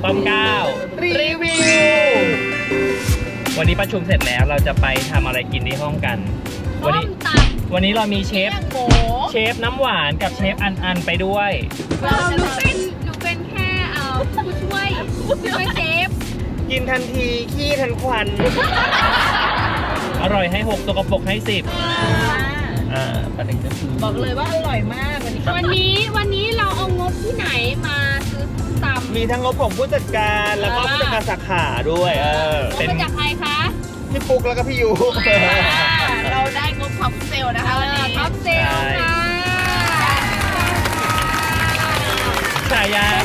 ป้อมเก้ารีวิววันนี้ประชุมเสร็จแล้วเราจะไปทำอะไรกินที่ห้องกันวันนี้เรามีเชฟน้ำหวานกับเชฟอันไปด้วยหนูเป็นแค่ผู้ช่วยเชฟกินทันทีขี้ทันควัน อร่อยให้6ตัวกระปุกให้10ประเด็นก็คือบอกเลยว่าอร่อยมากวันนี้เราเอางบที่ไหนมาซื้อตำมีทั้งงบของผู้จัดการแล้วก็ผู้จัดการสาขาด้วยเป็นมาจากใครคะพี่ปุ๊กแล้วก็พี่ยูเราได้งบท็อปเซลนะคะวันนี้ท็อปเซลค่ะฉายาม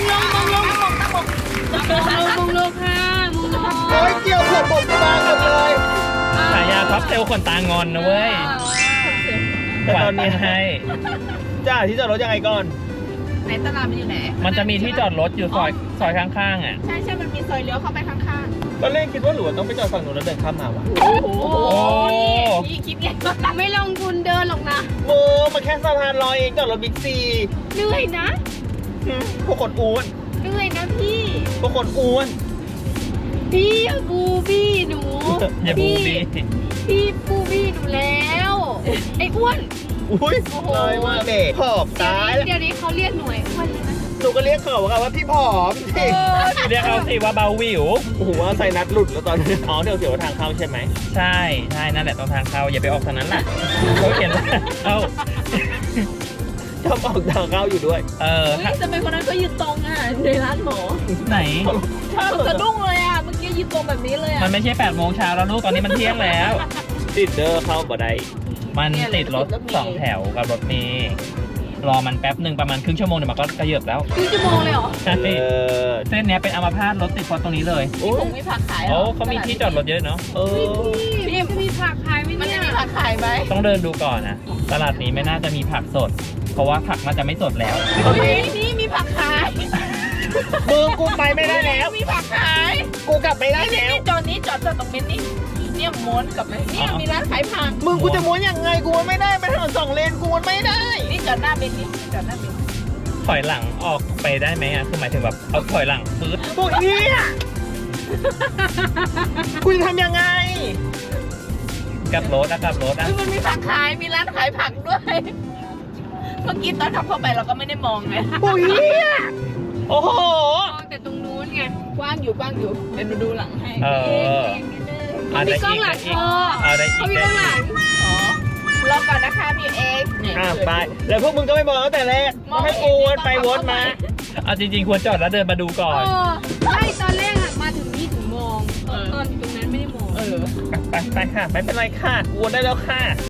งลงค่ะโอ้ยเกี่ยวผมบางหมดเลยฉายาท็อปเซลขนตางอนนะเว้ยแต่ตอนนี้ให้จ้าที่จอดรถยังไงก่อนไหนตลาดมันอยู่ไหนมันจะมีที่จอดรถอยู่ซอยข้างๆอ่ะใช่มันมีซอยเลี้ยวเข้าไปข้างๆตอนแรกคิดว่าหลวงต้องไปจอดฝั่งนู้นแล้วเดินข้ามมาวะโอ้โหนี่คิดไงไม่ลงทุนเดินหรอกนะมาแค่สะพานลอยเองจอดรถบิ๊กซีเหนื่อยนะพวกคนอ้วนเหนื่อยนะพี่พวกคนอ้วนพี่บูบี้หนูอย่าบูบี้พี่บูบี้หนูแล้วไอ้อ้วนอุ้ยเลยว่าเด็กผอมตายเดี๋ยวนี้เขาเรียกหน่วยอ้วนเลยนะหนูก็เรียกเขาว่าพี่ผอมสิเรียกเขาสิว่าเบาวิวโอ้โหว่าใส่นัดหลุดแล้วตอนนี้เดี๋ยวทางเข้าใช่ไหมใช่นั่นแหละตรงทางเข้าอย่าไปออกทางนั้นล่ะเขาเขียนชอบออกทางเข้าอยู่ด้วยทำไมคนนั้นก็ยืนตรงอ่ะในร้านหมอไหนสะดุ้งเลยอ่ะเมื่อกี้ยืนตรงแบบนี้เลยอ่ะมันไม่ใช่8 โมงเช้าแล้วลูกตอนนี้มันเที่ยงแล้วติดเดอร์เข้าบ่ได้มันติดรถ2 แถวกับรถเมล์รอมันแป๊บหนึ่งประมาณครึ่งชั่วโมงเดี๋ยวมันก็กระเยิบแล้วครึ่งชั่วโมงเลยเหรอใช่เส้นนี้เป็นอัมพาตรถติดเพราะตรงนี้เลยผมมีผักขายเขามีที่จอดรถเยอะเนาะพี่มีผักขายไหมมันจะมีผักขายไหมต้องเดินดูก่อนนะตลาดนี้ไม่น่าจะมีผักสดเพราะว่าผักน่าจะไม่สดแล้วนี่มีผักขายกูไปไม่ได้แล้วมีผักขายกูกลับไม่ได้แล้วจอดตรงเม็ดนี่เนี่ยม้วนกับไหมเนี่ยมีร้านขายผักกูจะม้วนยังไงกูไม่ได้ไปถนน2 เลนกูไม่ได้นี่จอดหน้าเบนนี่จอดหน้าเบนถอยหลังออกไปได้ไหมคือหมายถึงแบบเอาถอยหลังปื๊ดพวกนี้คุณทำยังไงกับรถมันมีผักขายมีร้านขายผักด้วยเมื่อกี้ตอนขับเข้าไปเราก็ไม่ได้มองไงโอ้ยโอ้โหมองแต่ตรงนู้นไงกว้างอยู่เดี๋ยวดูหลังให้มีกล้องหลังเขามีกล้องหลังรอก่อนนะคะมีเอ็กซ์ไปแล้วพวกมึงก็ไม่มองตั้งแต่แรกให้กูวนไปวนมาจริงๆควรจอดแล้วเดินมาดูก่อนใช่ตอนแรกมาถึงนี่ถึงมองตอนอยู่ตรงนั้นไม่ได้มองไปค่ะไม่เป็นไรค่ะวนได้แล้วค่ะ